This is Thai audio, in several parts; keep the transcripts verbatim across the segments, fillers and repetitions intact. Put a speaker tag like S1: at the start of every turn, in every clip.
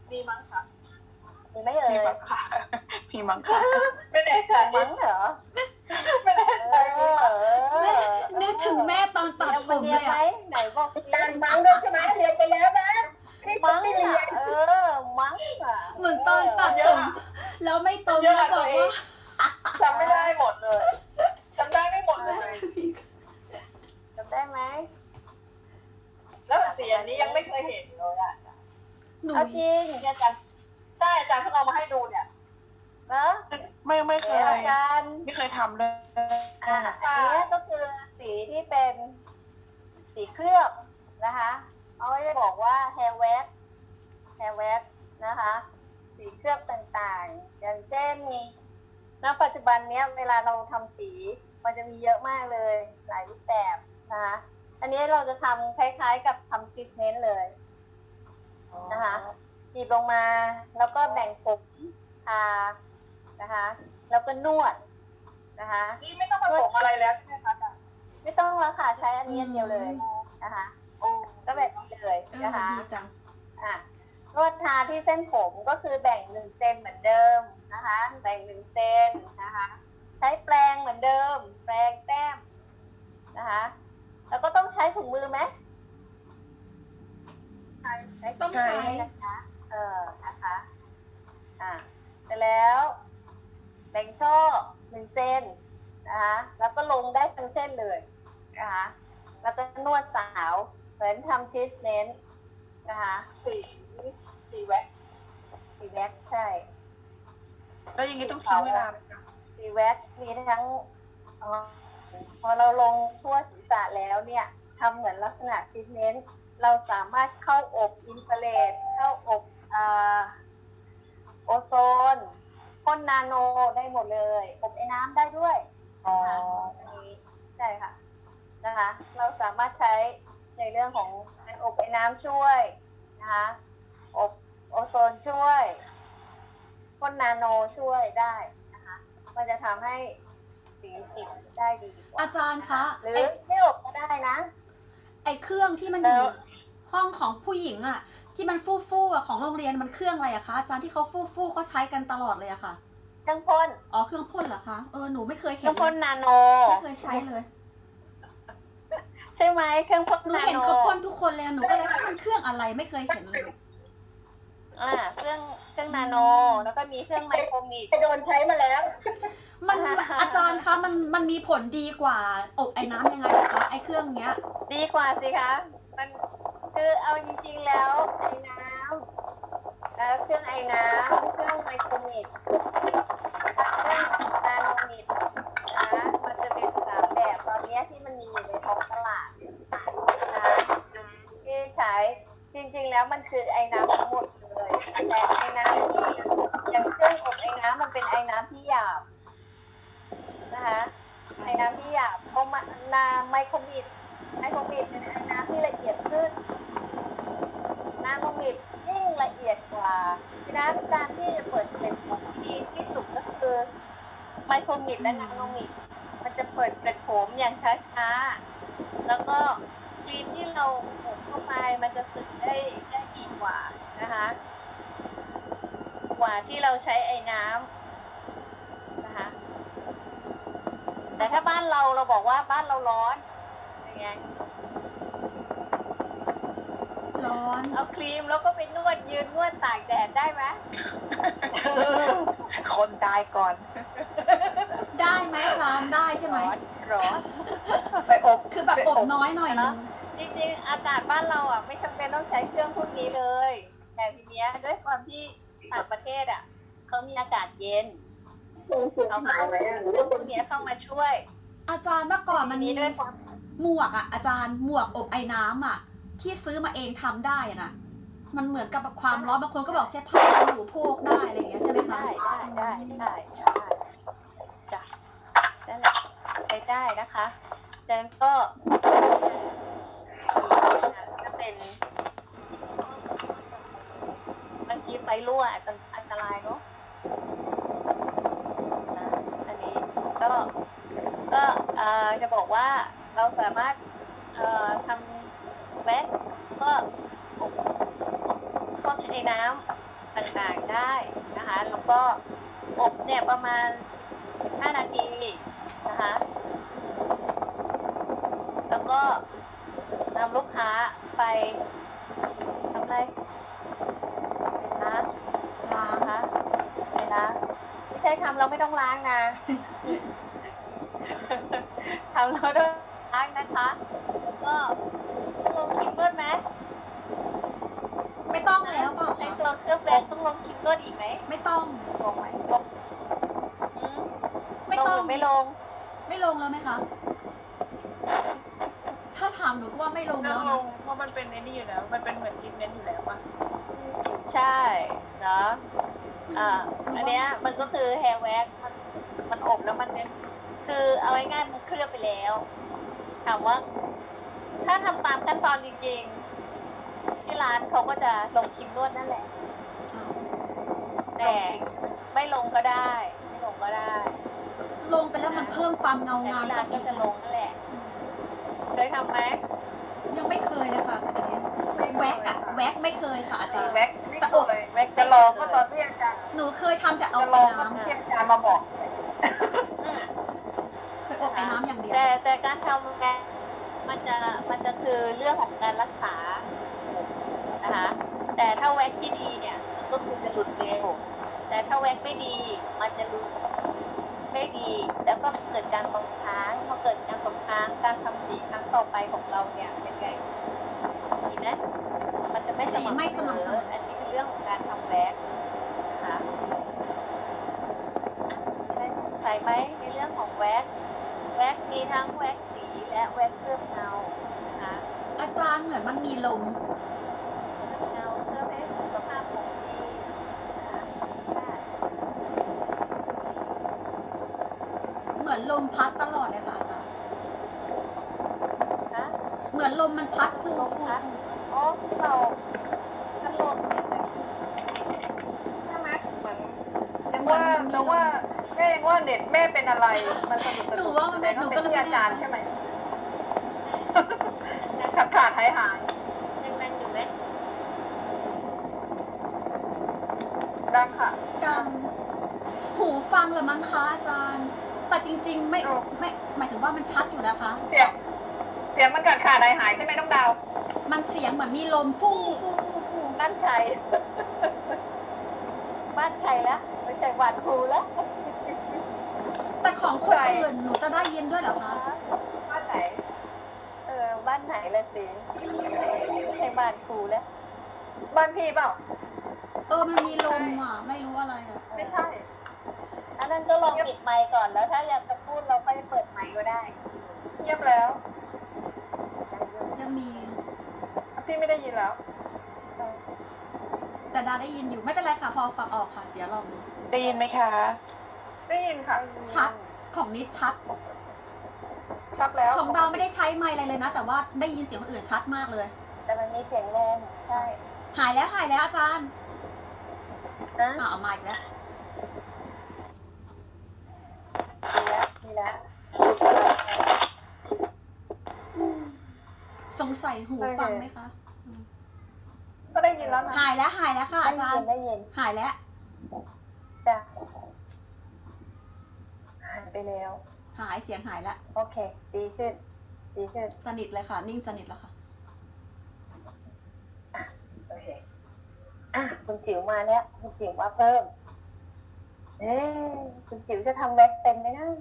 S1: มีมั้งค่ะ
S2: มีไหมเอ่
S3: มี
S2: ย
S3: มั้งค่ะมีมั้งค่ะ
S1: ไม่แน่ใจ
S2: มั้งเหรอ
S1: ไม่แน่ใจ
S2: เออ
S4: แม่นึกถึงแม่ตอนตัดผม
S2: เรี
S4: เลย
S2: นไหม
S4: อะ
S2: ไหนบอก
S1: การมั้งด้วยใช่ไหมเรียนไปแล้วนะพี่
S2: มั้ง
S1: ไม่เรีย
S2: อ่ะ
S1: น
S2: เออมั้งอ่ะ
S4: เหมือนตอนตัดผมแล้วไม่ตรง
S1: เยอะ
S4: แล้วบ
S1: ตั
S4: อ
S1: ว
S4: ก
S1: เอ
S4: ว่าง
S1: จำไม่ได้หมดเลยจำได้ไม่หมดเลย
S2: จำได้ไหม
S1: แล้วสีอันนี้ยังไม่เคยเห็นเลยอ่ะ
S4: หนู
S2: เอาจริง
S1: เนี่ยอาจารย์ใช่อาจารย์เพิ่งเอามาให้ดูเนี่ย
S2: เนอะ
S3: ไม่ไม่เค
S2: เดี๋ย
S3: ยว
S2: อาจารย์
S3: ไม่เคยทำเลย
S2: อ่าอันเนี้ยก็คือสีที่เป็นสีเคลือบนะคะเอาไว้บอกว่า hair wax hair wax นะคะ สีเคลือบต่างๆ อย่างเช่นณปัจจุบันเนี้ยเวลาเราทำสีมันจะมีเยอะมากเลยหลายรูปแบบนะคะอันนี้เราจะทำคล้ายๆกับทำทรีทเมนต์เลยนะคะบีบลงมาแล้วก็แบ่งผมทานะคะแล้วก็นวดนะคะ
S1: นี่ไม่ต้องผสมอะไรแล้วใช่ไหมคะอาจารย์
S2: ไม่ต้องแล้วค่ะใช้อันนี้อันเดียวเลยนะคะ
S1: โอ้
S2: ก็แบบนี้เลย
S4: เออ
S2: นะคะ
S4: ดีจัง
S2: อ่ะนวดทาที่เส้นผมก็คือแบ่งหนึ่งเซนเหมือนเดิมนะคะแบ่งหนึ่งเซนนะคะใช้แปรงเหมือนเดิม แปรงแต้มนะคะแล้วก็ต้องใช้ถุงมือไหมใช้ใช้
S4: ต้องใช้
S2: นะคะเออนะคะอ่ะเสร็จแล้วแบ่งช่อหนึ่งเซนนะคะแล้วก็ลงได้ทั้งเส้นเลยนะคะแล้วก็นวดสาวเหมือนทำชีสเน้นนะคะ
S1: สีสีแว็ก
S2: สีแว็กใช่
S3: แล้วอย่างนี้ต้องทิ้งเวลาไหมคะ
S2: สีแว็กมีทั้งเอ่อพอเราลงทั่วศีรษะแล้วเนี่ยทำเหมือนลักษณะชีสเน้นเราสามารถเข้าอบอินฟราเรดเข้าอบอ่าโอโซนพ่นนาโนได้หมดเลยอบไอ้น้ำได้ด้วย
S3: อ๋อ
S2: อันนี้ใช่ค่ะนะคะเราสามารถใช้ในเรื่องของการอบไอ้น้ำช่วยนะคะอบโอโซนช่วยพ่นนาโนช่วยได้นะคะมันจะทำให้สีติดได้ดีกว่า
S4: อาจารย์คะ
S2: หรือ
S4: ไอ้
S2: ไม่อบก็ได้นะ
S4: ไอ้เครื่องที่มันอยู่ห้องของผู้หญิงอะที่มันฟู่ฟู่ๆอะของโรงเรียนมันเครื่องอะไรอะคะอาจารย์ที่เขาฟู่ฟู่ๆเขาใช้กันตลอดเลยอะค่ะ
S2: เครื่องพ่น
S4: อ๋อเครื่องพ่นเหรอคะเออหนูไม่เคย
S2: เค
S4: เห็
S2: รื่อน งพ่นนาโน
S4: ไม่เคยใช้เลย
S2: ใช่ไหมเครื่องพ่น
S4: หนู
S2: นา
S4: เห็น
S2: โน
S4: เขาพ่นทุกคนเลยหนูก็เลยว่ามันเครื่องอะไรไม่เคยเห็นเลย
S2: อ่าเครื่องเครื่องนาโน แล้วก็มีเครื่องไมโครมิด
S1: ไปโดนใช้มาแล้ว
S4: มัน
S2: อ่า
S4: อาจารย์คะมันมันมีผลดีกว่าอบไอ้น้ำยังไงอะคะไอ้เครื่องเนี้ย
S2: ดีกว่าสิคะ มันคือเอาจริงๆแล้วไอ้น้ำแล้วเครื่องไอ้น้ำเครื่องไมโครมิดเครื่องนาโนมิดนะมันจะเป็นสามแบบตอนนี้ที่มันมีอยู่ในท้องตลาดนะที่ใช้จริงๆแล้วมันคือไอ้น้ำทั้งหมดเลยแต่ไอ้น้ำที่อย่างเครื่องอบไอ้น้ำมันเป็นไอ้น้ำที่หยาบนะคะไอ้น้ำที่หยาบเพราะมานาไมโครมิดไมโครมิดเป็นไอ้น้ำที่ละเอียดขึ้นนาโนมิดยิ่งละเอียดกว่าฉะนั้นการที่จะเปิดเกล็ดผมที่ดีที่สุดก็คือไมโครมิดและนาโนมิดมันจะเปิดเกล็ดผมอย่างช้าๆแล้วก็ครีมที่เราอบเข้าไปมันจะสึกได้ได้ดีกว่านะคะกว่าที่เราใช้ไอ้น้ำนะคะแต่ถ้าบ้านเราเราบอกว่าบ้านเราร้อนยังไง
S4: ร้อน
S2: เอาครีมแล้วก็ไปนวดยืนนวดตากแดดได้ไหม
S3: คนตายก่อน
S4: ได้ไหมอาจารย์ได้ใช่ไหม
S2: ร้อนร้อน
S3: ไปอบ
S4: คือแบบอบน้อยหน่อยนึง
S2: จริงๆ อากาศบ้านเราอ่ะไม่จำเป็นต้องใช้เครื่องพวกนี้เลย แต่ทีเนี้ยด้วยความที่ต่างประเทศอ่ะเขามีอากาศเย็นเขาก็ต้องเครื่องพวกนี้เข้ามาช่วย
S4: อาจารย์เมื่อก่อนมัน
S2: ที
S4: มี
S2: นี้ด้วยความ
S4: หมวกอ่ะอาจารย์หมวกอบไอ้น้ำอ่ะ ที่ซื้อมาเองทำได้อะนะมันเหมือนกับความร้อนบางคนก็บอกใช้ผ้าหนูโพกได้อะไรอย่างเงี้ยใช่ไหมคะ
S2: ได้ได้ได้ได้ได้จ้ะนั่นแหละใช้ได้นะคะฉะนั้นก็ก็เป็นบางทีไฟรั่วอาจจะอันตรายเนาะนะอันนี้ก็ก็เอ่อจะบอกว่าเราสามารถเอ่อทำแว็กก็อบอบพวกไอ้น้ำต่างๆได้นะคะ แล้วก็อบเนี่ยประมาณห้านาทีนะคะ แล้วก็นำลูกค้าไปทำอะไรไปล้าง
S4: ล้าง
S2: นะคะไปล้างไม่ใช่ทำเราไม่ต้องล้างนะ ทำเราต้องล้างนะคะ แล้วก็ลงครีมนวดไหม
S4: ไม่ต้องแล้วเปล่า
S2: ใช้
S4: คะ
S2: ตัวเครื่องแป้งต้องลงครีมนวดอีกไหม
S4: ไม่ต้อง
S3: ลงไหมลง
S2: อืม
S4: ไม่
S2: ลง
S4: ต้อ
S2: ห
S4: ง
S2: รือไม่ลง
S4: ไม่ลงแล้วไหมคะ ถ้าถามหนูก็ว่าไม่ลง
S3: ต้
S4: แล้
S3: อ
S4: ว
S3: งล
S4: นะ
S3: งเพราะมันเป็นไอ้นี่อยู่แล้ว มันเป็นเหมือนทรีทเมนต์อยู่แล้วป่ะ
S2: ใช่เนาะอ่า อันเนี้ยมันก็คือแฮร์แว็กมันมันอบแล้วมันเนี่ยคือเอาง่ายๆมันเคลือบไปแล้ว ถามว่า ถ้าทำตามขั้นตอนจริงๆ ที่ร้านเขาก็จะลงครีมนวดนั่นแหละ แต่ไม่ลงก็ได้ ไม่ลงก็ได้
S4: ลงไปแล้วมันเพิ่มความเงา
S2: แต่
S4: งาม
S2: ที่ร้านก็จะลงนั่นแหละเคยทำไหม
S4: ยังไม่เคยเลยค่ะอันนี้แว็กอะแว็กไม่เคยค่ะอาจารย์
S3: แว็กไม่เคย
S2: แว็ก
S3: จะลองก็ตอนที่อาจารย์
S4: หนูเคยทำแต่เอา
S3: จะ
S4: ไป
S3: ลองก็
S4: น้
S3: ที่อาจารย์มาบอก
S2: อืม
S4: ำเคยอบไอ้น้ำอย่างเดียว
S2: แต่แต่การทำแว็กมันจะมันจะคือเรื่องของการรักษานะคะ แต่ถ้าแว็กที่ดีเนี่ยมันก็คือจะหลุดเร็ว แต่ถ้าแว็กไม่ดีมันจะหลุดไม่ดี แล้วก็เกิดการตกค้างพอเกิดการตกค้างการทำสีครั้งต่อไปของเราเนี่ยเป็นไงดีไหมมันจะไม่ส
S4: สี
S2: ม่ำ
S4: ไม่สม่ำเสมอ
S2: อันนี้คือเรื่องของการทำแว็กนะคะมีอะไรสงสัยไหมในเรื่องของแว็กแว็กมีทั้งแว็กสีและแว็กเคลือบเงานะคะ
S4: อาจารย์เหมือนมันมีลม
S2: เคลือบเงาเพื่อให้สุขภาพของดีนะคะได้
S4: เหมือนลมพัดตลอดเลยค่ะอาจารย์
S2: นะ
S4: เหมือนลมมันพัดฟู
S2: ลม
S4: ฟู
S2: พัดอ๋อเราพัดลมเนี่ยแบบใช่ไหม
S3: เหมือนยังว่ายังว่าแม่ยังว่าเน็ตแม่เป็นอะไร มันสะดุดสะ
S4: หนู
S3: ดุด
S4: ว่ามันเป็นห
S3: แต่
S4: นู
S3: ก็
S4: ก็
S3: เป็น
S4: เลย
S3: ที่
S4: ไม่
S3: อา
S4: ได้
S3: จารย์ใช่ไหมขาดขาดหายหาย
S2: ยังนั่งอยู่ไหม
S3: ดังค่ะ
S4: ดังหูฟังเหรือมั้งคะอาจารย์ แต่จริง ๆ ไม่
S3: อ้าว
S4: ไม่หมายถึงว่ามันชัดอยู่นะคะ
S3: เสียงเสียงมันขาดขาดหายหายใช่ไหมน้องดาว
S4: มันเสียงเหมือนมีลมฟู่ฟู่ฟู่ฟู่
S2: บ้านใคร บ้านใครละไม่ใช่บ้านครูละ
S4: แต่ของคนอื่นหนูจะได้ยินด้วยเหรอคะ
S2: บ้านไหน เออ บ้านไหนละสิไม่ใช่บ้านครูแล้ว
S3: บ้านพี่เปล่า
S4: เออมันมีลมอ่ะ ไม่รู้อะไรอ่ะ
S3: ไม่ใช่
S2: อันนั้นก็ลองปิดไมค์ก่อนแล้วถ้าอยากจะพูดเราค่อยเปิดไมค์ก็ได้
S3: เงียบแล้ว
S2: ยังอยู่
S4: ยังมี
S3: พี่ไม่ได้ยินแล้ว
S2: เออ
S4: แต่ดาได้ยินอยู่ไม่เป็นไรค่ะพอฟังออกค่ะ เดี๋ยวลองดู
S3: ได้ยินไหมคะ ได้ยินค่ะ
S4: ชัดของนิดชัด
S3: ชัดแล้ว
S4: ของดาวไม่ได้ใช้ไมค์อะไรเลยนะ แต่ว่าได้ยินเสียงคนอื่นชัดมากเลย
S2: แต่มันมีเสียงลมใช่
S4: หายแล้วหายแล้วอาจารย์
S2: นะ
S4: อ่าเอามาอีกแล้ว
S2: ดีแล้วดีแล้ว
S4: สงสัยหูฟังไหมคะ
S3: ก็ได้ยินแล้วนะ
S4: หายแล้วหายแล้วค่ะ
S2: ได้
S4: อาจาร
S2: ยิน
S4: ย์
S2: ได้ยิน
S4: หายแล้ว
S2: จ้ะหายไปแล้ว
S4: หายเสียงหายแล้ว
S2: โอเค ดีขึ้น ดีขึ้น
S4: สนิทเลยค่ะ นิ่งสนิทแล้วค่ะ
S2: โอเค อ่ะ คุณจิ๋วมาแล้ว คุณจิ๋วมาเพิ่ม เอ๊ะคุณจิ๋วจะทำแว็กเป็นไหมนะ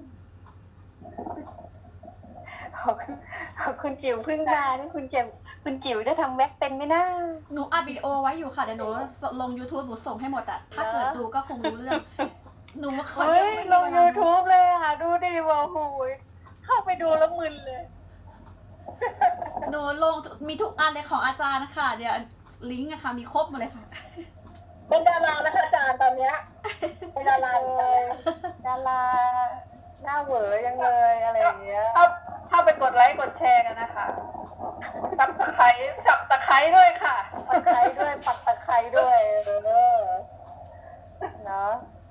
S2: เอาเอาคุณจิ๋วเพิ่งมานี่คุณจิ๋วคุณจิ๋วจะทำแว็กเป็นไหมนะ
S4: หนูอัดวิดีโอไว้อยู่ค่ะ เดี๋ยวหนูลง YouTube หนูส่งให้หมดอะถ้าเกิดดูก็คงรู้เรื่อง หนูเคย
S2: เฮ้ย ลง YouTube เลยค่ะ ดูดิว่าหูยเข้าไปดูแล้วมึนเลย
S4: หนูลงมีทุกอันเลยของอาจารย์นะคะเดี๋ยวลิงก์อะค่ะมีครบหมดเลยค่ะ
S3: เป็นดาราแล้วค่ะอาจารย์ตอนเนี้ยเป็นดารา
S2: เลย ดาราหน้าเหวอยังเลยอะไรอย่างเงี้ย
S3: เข้าเข้าไปกดไลค์กดแชร์กันนะคะสับตะไคร้สับตะไคร้ด้วยค่ะ
S2: ปักตะไคร้ด้วยปักตะไคร้ด้วยเออเนาะ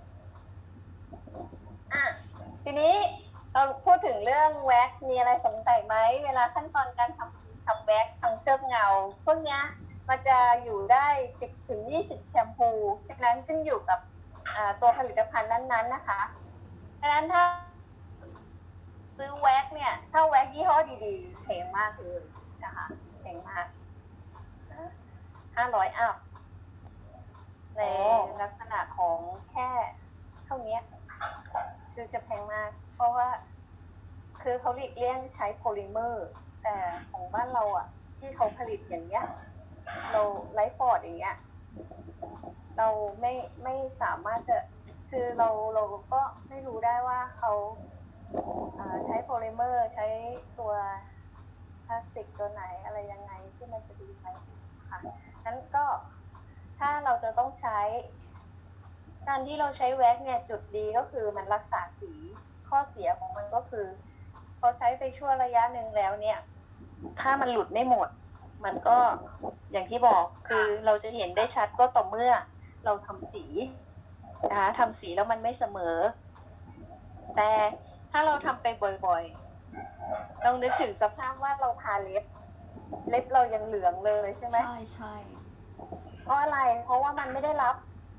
S2: อ่ะทีนี้เราพูดถึงเรื่องแว็กซ์มีอะไรสงสัยไหมเวลาขั้นตอนการทำทำแว็กซ์ทำเคลือบเงาพวกเนี้ยมันจะอยู่ได้สิบถึงยี่สิบแชมพูฉะนั้นขึ้นอยู่กับตัวผลิตภัณฑ์นั้นๆนะคะฉะนั้นถ้าซื้อแว็กเนี่ยถ้าแว็กยี่ห้อดีๆแพงมากเลยนะคะแพงมากห้าร้อยอัพในลักษณะของแค่เท่านี้คือจะแพงมากเพราะว่าคือเขาหลีกเลี่ยงใช้โพลิเมอร์แต่ของบ้านเราอ่ะที่เขาผลิตอย่างเงี้ยเราไลฟ์ฟอร์ดอย่างเงี้ยเราไม่ไม่สามารถจะคือเราเราก็ไม่รู้ได้ว่าเขาใช้โพลิเมอร์ใช้ตัวพลาสติกตัวไหนอะไรยังไงที่มันจะดีไหมค่ะนั้นก็ถ้าเราจะต้องใช้การที่เราใช้แว็กเนี่ยจุดดีก็คือมันรักษาสีข้อเสียของมันก็คือพอใช้ไปชั่วระยะหนึ่งแล้วเนี่ยถ้ามันหลุดไม่หมดมันก็อย่างที่บอกคือเราจะเห็นได้ชัดก็ต่อเมื่อเราทำสีนะคะทำสีแล้วมันไม่เสมอแต่ถ้าเราทำไปบ่อยๆลองนึกถึงสภาพว่าเราทาเล็บเล็บเรายังเหลืองเลยใช่ไหม
S4: ใช่ใช่
S2: เพราะอะไรเพราะว่ามันไม่ได้รับ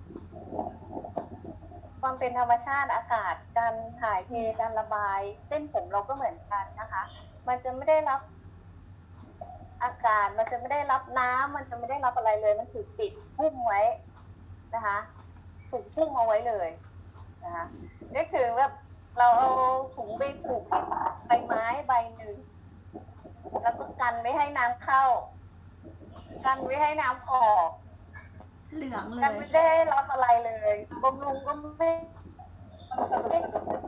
S2: ความเป็นธรรมชาติอากาศการถ่ายเทการระบายเส้นผมเราก็เหมือนกันนะคะมันจะไม่ได้รับอากาศมันจะไม่ได้รับน้ำมันจะไม่ได้รับอะไรเลยมันถูกปิดหุ้มไว้นะคะถูกหุ้มเอาไว้เลยนะคะนึกถึงแบบเราเอาถุงไปผูกที่ใบไม้ใบหนึ่งแล้วก็กันไม่ให้น้ำเข้ากันไม่ให้น้ำออก
S4: เหลืองเล
S2: กัน
S4: ย
S2: ไม่ได้รับอะไรเลยบำรุงก็ไม่ไม่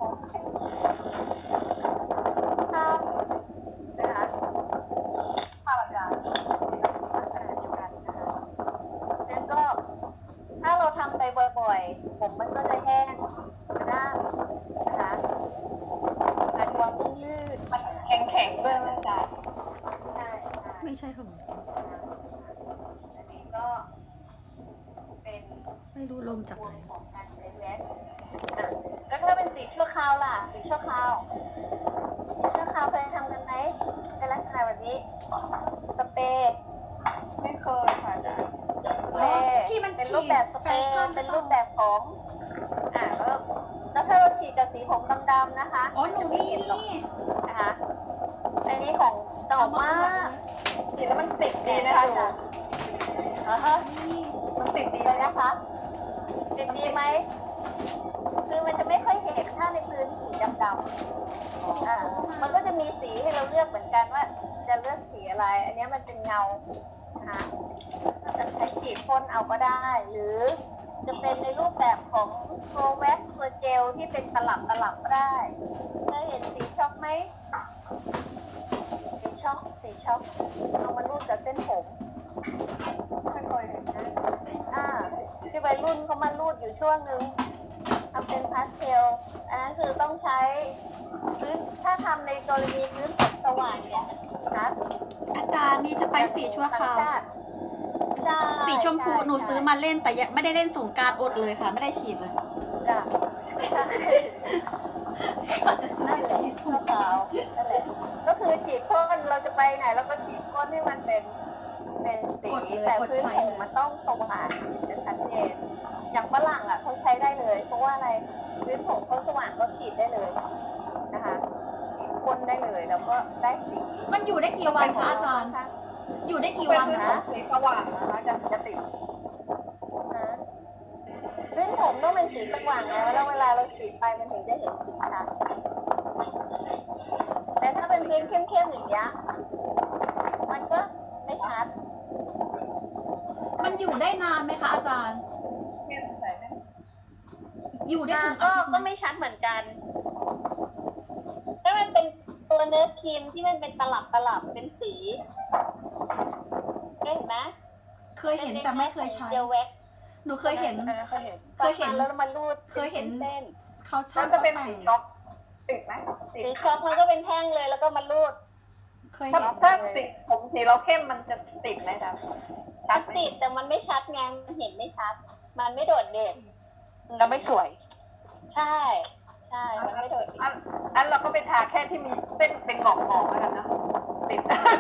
S2: ข้ามนะคะข้ามอากาศลักษณะเดียวกันนะคะฉะนั้นก็ถ้าเราทำไปบ่อยๆผมมันก็จะแห้งกระด้างนะคะขาดความนุ่มลื่น
S3: มันแข็งแข็งๆด้วยไหมจ๊ะ
S2: ใช่ใช่
S4: ไม่ใช่ของ
S2: อันนี้ก็เป็น
S4: ไม่รู้ลมจาก
S2: ห่
S4: ไห
S2: วน งของการใช้แว็กซ์อ่ะแล้วถ้าเป็นสีชั่วคราวล่ะ สีชั่วคราว สีชั่วคราวเคยทำกันไหมในลักษณะแบบนี้ สเปรย์
S3: ไม่เคยค่ะจ๊ะ
S2: สเปรย์
S4: ที่มัน
S2: เป็นรูปแบบสเปรย์เป็นรูปแบบของ อ่าแล้วแล้วถ้าเราฉีดกับสีผมดำๆนะคะ
S4: อ๋อหนู
S2: จะไม่
S4: นี่
S2: เห็นหรอกนะคะ อันนี้ของเก่ามาก
S3: กินแล้วมันติดดีนะคะจ๊ะ
S2: อ่าฮะ
S3: มันติดดี
S2: เลยนะคะติดดีไหม คือมันจะไม่ค่อยเห็นถ้าในพื้นสีดำๆอ่ามันก็จะมีสีให้เราเลือกเหมือนกันว่าจะเลือกสีอะไร อันนี้มันเป็นเงานะคะจะใช้ฉีดพ่นเอาก็ได้ หรือจะเป็นในรูปแบบของโฟลแว็กซ์ตัวเจลที่เป็นตลับตลับก็ได้เคยเห็นสีช็อกไหม สีช็อกสีช็อกเอามารูดกับเส้นผม
S3: ไม่เคยเห็นนะ
S2: อ่าที่วัยรุ่นเขามารูดอยู่ช่วงนึงทำเป็นพาสเทลอันนั้นคือต้องใช้พื้นถ้าทำในกรณีพื้นผมสว่างเนี่ยชัด
S4: อาจารย์นี่จะไปสีชั่วคราว
S2: ต่งชติใช่
S4: สีชมพูหนูซื้อมาเล่นแต่ยังไม่ได้เล่นสงกรานต์อดเลยค่ะ ไม่ได้ฉีดเลย
S2: จ้ะใช่
S4: เขาจะซื้อ
S2: นั่นแหละ
S4: ฉีดส
S2: ชั่ว
S4: งก
S2: ค
S4: ราร
S2: าน ว
S4: ต์
S2: นั่นแหละก็คือฉีดพ่นเราจะไปไหนเราก็ฉีดพ่นให้มันเป็นเป็นสีแต่พื้นผมมันต้องสว่างจะชัดเจนอย่างฝรั่งอ่ะเขาใช้ได้เลย เพราะว่าอะไรพื้นผมเขาสว่างเขาฉีดได้เลยนะคะฉีดพ่นได้เลยแล้วก็ได้สี
S4: มันอยู่ได้กี่วันคะอาจารย์ อยู่ได้กี่
S3: เป็น
S4: วัน
S3: พื้น
S4: นะ
S3: ผมสีสว่างนะคะจะจะติด
S2: นะพื้นผมต้องเป็นสีสว่างไงแล้วเวลาเราฉีดไปมันถึงจะเห็นสีชัดแต่ถ้าเป็นพื้นเข้มๆอย่างเงี้ยมันก็ไม่ชัด
S4: มันอยู่ได้นานไหมคะอาจารย์
S3: เข้มใส่ไหม
S4: อยู่ได้
S2: อ่า
S4: ถึง
S2: ก็
S4: อาทิตย์ไหม
S2: ก็ไม่ชัดเหมือนกัน ถ้ามันเป็นตัวเนื้อครีมที่มันเป็นตลับตลับเป็นสีเคยเห็นไหม
S4: เคยเห็นแต่ไม่เคยใช้
S2: เจลแว็กซ์
S4: หนูเคยเห็น
S3: เออเคยเห็น
S4: เคยเห็น
S2: แล้วมารูด
S4: เคยเห็น
S2: เส้น
S4: เขา
S3: แล้
S4: ช่าว ง
S3: จะเป็น
S4: แต่
S3: สี
S4: ง
S3: ช็อกติดไหมติ
S2: ๆ
S3: ด
S2: สีช็อกมันก็เป็นแท่งเลยแล้วก็มารูด
S4: เคย
S3: ถ้า
S4: เห็น
S3: ถ้าสีผมสีเราเข้มมันจะติดไหมจ๊ะชั
S2: มั
S3: ด
S2: น
S3: ไหม
S2: ติดแต่มันไม่ชัดไงมันเห็นไม่ชัด มันไม่โดดเด่น
S1: แล้วไม่สวย
S2: ใช่ ใช่ มันไม่โดดเด่น
S3: อันอันเราก็ไปทาแค่ที่มีเส้นเป็นหงอกๆแล้วกันนะติด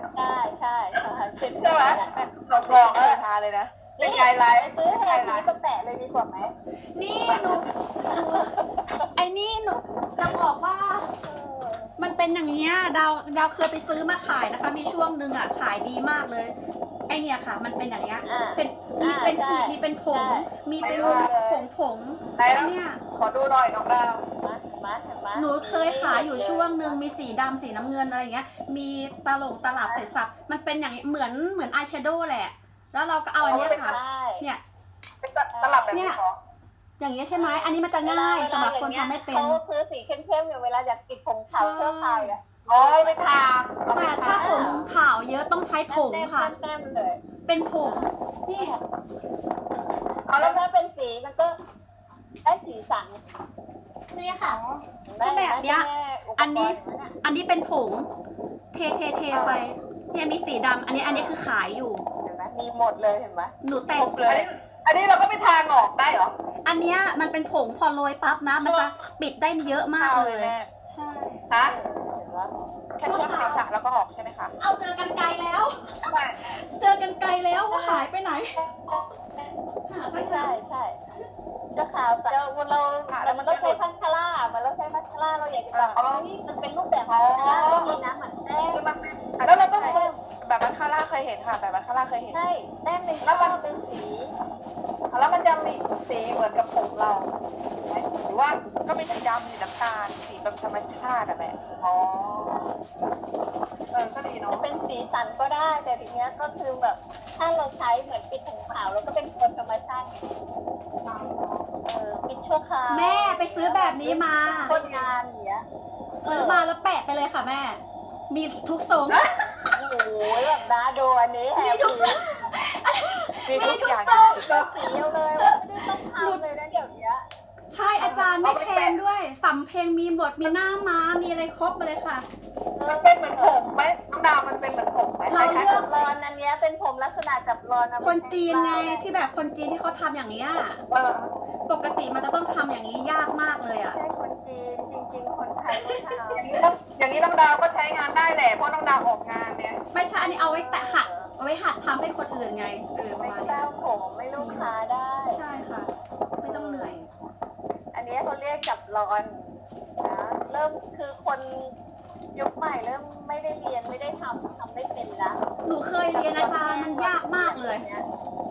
S2: ใช่ใช่ใช่เช่น
S3: ใช่ไหม
S1: เราลองเลยทาเลยนะ
S3: เป็
S2: นี่
S3: นไงไลน์
S2: ไปซื้อแฮร์พีมาแปะเลยดีกว่าไหม
S4: นี่หนูหนูไอ้นี่หนูจะบอกว่า มันเป็นอย่างเงี้ยดาวดาวเคยไปซื้อมาขายนะคะ มีช่วงหนึ่งอ่ะขายดีมากเลย ไอเนี่ยค่ะ มันเป็นอย่างเงี้ย
S2: อ่า
S4: เป็นมี
S2: อ่า
S4: เป็น
S2: ใช่
S4: ฉีดมีเป็นผง
S2: ใช่
S4: มีเป็น
S1: ไม่รู้เลย
S4: ผงผง
S3: ไหน
S4: ไอ
S3: แล้ว
S4: เนี่ย
S3: ขอดูหน่อยน้องดาว
S2: มาเห็นไหมเห็นไหม
S4: หนูเคยขายอยู่ช่วงหนึ่งมีสีดำสีน้ำเงินอะไรอย่างเงี้ย มีตลงตลับเสร็จสับมันเป็นอย่างเหมือนเหมือนอายแชโดว์แหละ แล้วเราก็เอาอันเนี้ยค่ะ
S2: ใช่
S4: เนี่ย
S3: เป็นตลับแบบนี้เหรอ
S4: อย่างเงี้ยใช่ไหมอันนี้มันจะง่ายสำหรับคนทำไม่เป็น
S2: เขาซื้อสีเข้มๆอยู่เวลาอยากปิดผมขาว
S4: ใช่
S2: เชื่อใครอ่ะ
S3: อ๋อไปทาเอาไป
S4: แต่ถ้า
S3: ทา
S4: ผมขาวเยอะต้องใช้ผงค่ะ
S2: แต้มๆเลย
S4: เป็นผงนี่
S3: เอาแล้
S2: แล้ว วถ้าเป็นสีมันก็ได้สีสัน
S4: นี่ค่ะ
S2: เห็นไหม
S4: ก็แบบเนี้ย
S2: แม่อุปกรณ์
S4: อันนี้
S2: ย่างเย
S4: อันนี้เป็นผงเทเทเทไปเนี่ยมีสีดำอันนี้อันนี้คือขายอยู่
S2: เห็นไหมมีหมดเลยเห็นไหม
S4: หนูแต่
S1: ค
S4: ง
S1: รบเล
S3: อัน
S1: ย
S3: นี้อันนี้เราก็ไปทางออกได้เหรอ
S4: อันเนี้ยมันเป็นผงพอโรยปั๊บนะ มันจะปิดได้เยอะมาก
S1: เอา
S4: เล
S1: เลย
S4: ย
S1: แม่
S4: ใช่
S3: ฮะ
S2: เห็นไหม
S1: แค่ช่วงศีรษะแล้วก็ออกใช่ไหมคะ
S4: เอาเจอกันไกลแล้ว
S3: ไม่
S4: เจอกันไกลแล้วว่าหายไปไหนหา
S2: ไม่ใช่ใช่เชื่อข่าวสัตว์เราเราเรามันต้องใช้พัชร่าเหมือนเราใช้พัชร่าเราอยากจะแบบเฮ้ยมันเป็นรูปแบบพัชร่าไม่มีนะเหมือนแต้ม
S3: คือมันแล้วเราต้อง
S1: ใช่แบบมันคาร่าเคยเห็นค่ะ แบบมันคาร่าเคยเห็น
S2: ใช่แต้มเป็นช่อเป็นสี
S3: แล้วมันจะมีสีเหมือนกับผมเราไหมหรือว่า
S1: ก็มีสีดำสีน้ำตาลสีแบบธรรมชาติอะแม่
S3: อ๋อเออก็ดีเนาะ
S2: จะเป็นสีสันก็ได้แต่ทีเนี้ยก็คือแบบถ้าเราใช้เหมือนปิดผมขาวแล้วก็เป็นโทนธรรมชาติไงเออปิดชั่วคราว
S4: แม่ไปซื้อแบบนี้มา
S2: คนงานอย่างเงี้ย
S4: ซื้อมาแล้วแปะไปเลยค่ะแม่ มีทุกทรง
S2: โอ้โหแบบนะดูอันนี้แฮ
S4: มี
S2: ป
S4: ทุก
S2: ปี้
S1: มีทุกอย่าง
S4: มีทุกทรง
S2: แบบสีเอาเลยว่าไม่ได้ต้องทำเลยนะเดี๋ยวเนี้ย
S4: ใช่อาจารย์ไม่แพงด้วยสำเพลงมีบทมีหน้าม้ามีอะไรครบมาเลยค่ะ
S3: มันเป็นเหมือนผมไหมน้องดาวมันเป็นเหมือนผมไหม
S4: เราเลือก
S2: รอนอันเนี้ยเป็นผมลักษณะจับรอนนะ
S4: คนจีนไงที่แบบคนจีนที่เขาทำอย่างนี้ย
S3: เออ
S4: ปกติมันจะต้องทำอย่างนี้ยากมากเลยอ่ะ
S2: ใช่คนจีนจริง ๆ คนไทยก็ท
S3: อย่างนี้ต้องอย่างนี้น้องดาวก็ใช้งานได้แหละเพราะน้องดาวออกงานเนี่ย
S4: ไม่ใช่อันนี้เอาไว้แตะหัดเอาไว้หัดทำให้คนอื่นไงเออ
S2: ำ
S4: ประ
S2: ไม่
S4: มาณ
S2: เต้า
S4: นี้
S2: ผมไม่ลูกค้าได้
S4: ใช่ค่ะ ไม่ต้องเหนื่อย
S2: อันนี้เขาเรียกจับรอนนะเริ่มคือคนยุคใหม่เริ่มไม่ได้เรียนไม่ได้ทำทำไม่เป็นละ
S4: หนูเคยเรียนอาจารย์มันยากมากเลย
S2: นี่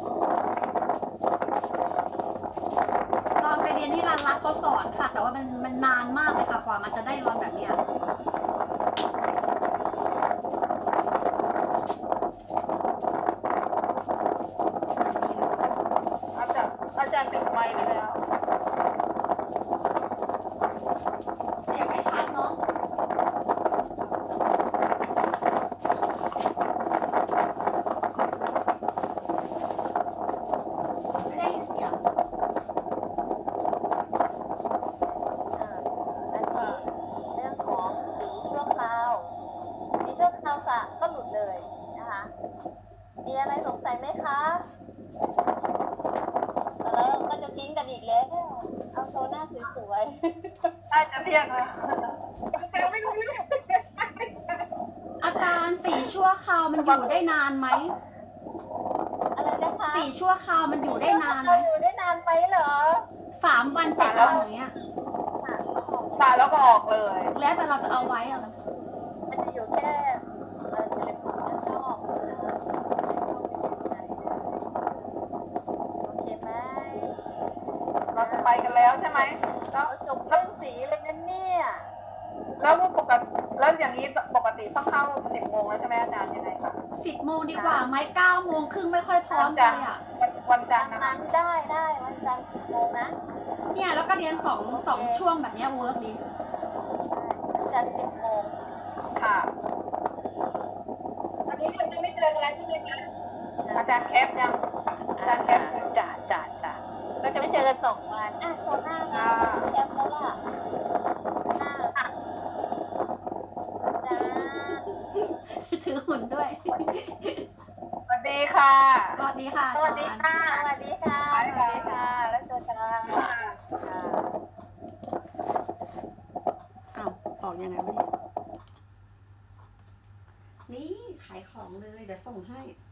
S4: ตอนไปเรียนที่ร้านรักเขาสอนค่ะ แต่ว่ามันมันนานมากเลยค่ะกว่ามันจะได้รอนแบบเนี้ย
S3: อาจารย์อาจารย์ติดไมค์เลยแล้ว
S4: เสียงไม่ชัดเนาะไม่ได้ยินเสียง
S2: อ่าอันนี้เรื่องของสีชั่วคราวสีชั่วคราวสระก็หลุดเลยนะคะมีอะไรสงสัยไหมคะแล้วเราก็จะทิ้งกันอีกแล้วเอาโชว์หน้าสวย
S3: ได้จะเที่ยงแล้ว
S1: ไม่รู้เรื่อง
S4: อาจารย์สีชั่วคราวมันอยู่ได้นานไหม
S2: ๆอะไรนะคะ
S4: สีชั่วคราวมันอยู่ได้นานไหม
S2: เราอยู่ได้นานไปเหรอ
S4: สามวันเจ็ดวันอย่างเงี้ย
S2: ค่ะออก
S3: ตายแล้วก็ออกเลย
S4: แล้วแต่เราจะเอาไว้อะ
S2: มันจะอยู่แค่เอ่อเทเลพอร์ตด้านนอกนะคะไม่ได้เข้าไปข้างในเลยโอเคไหม
S3: เราจะไปกันแล้วใช่ไหมแล้ว
S2: เราจบเรื่องสีเลยนะเนี่ย
S3: แล้วปกติแล้วอย่างนี้ปกติต้องเข้าสิบโมงแล้วใช่ไหมอาจารย์ยังไงคะ
S4: สิบโมงดีกว่าไหมเก้าโมงครึ่งไม่ค่อยพร้อมเลยอ่ะ
S3: วันวันจั
S2: ตาน ม
S3: ทร์นะ
S2: นั้
S3: คะ
S2: นได้ได้วันจันทร์สิบโมงนะ
S4: เนี่ยแล้วก็เรียนสองสองช่วงแบบเนี้ยเวิร์กดี
S2: วันจันทร์สิบโมง
S3: ค่ะ
S1: อันนี้เราจะไม่เจอกันแล้วใช่ไหมคะ
S3: อาจารย์แคปยังอาจารย์แคปยัง
S1: จ่าจ่าจ่า
S2: เราจะไม่เจอกันสองวันอ่ะโชว์หน้ามาติดแคปเขาล่ะหน้าจ้า
S4: ถือหุ่นด้วย
S3: สวัสดีค่ะ
S4: สวัสดีค่ะ
S2: สวัสดี
S4: อาจารย์
S2: ค่ะ สวัสดีค่ะ สวัสดีค่ะ แล้วเจอกันค่ะ
S4: อ้าวออกยังไงวะเนี่ยนี่ขายขของเลย เดี๋ยวส่งให้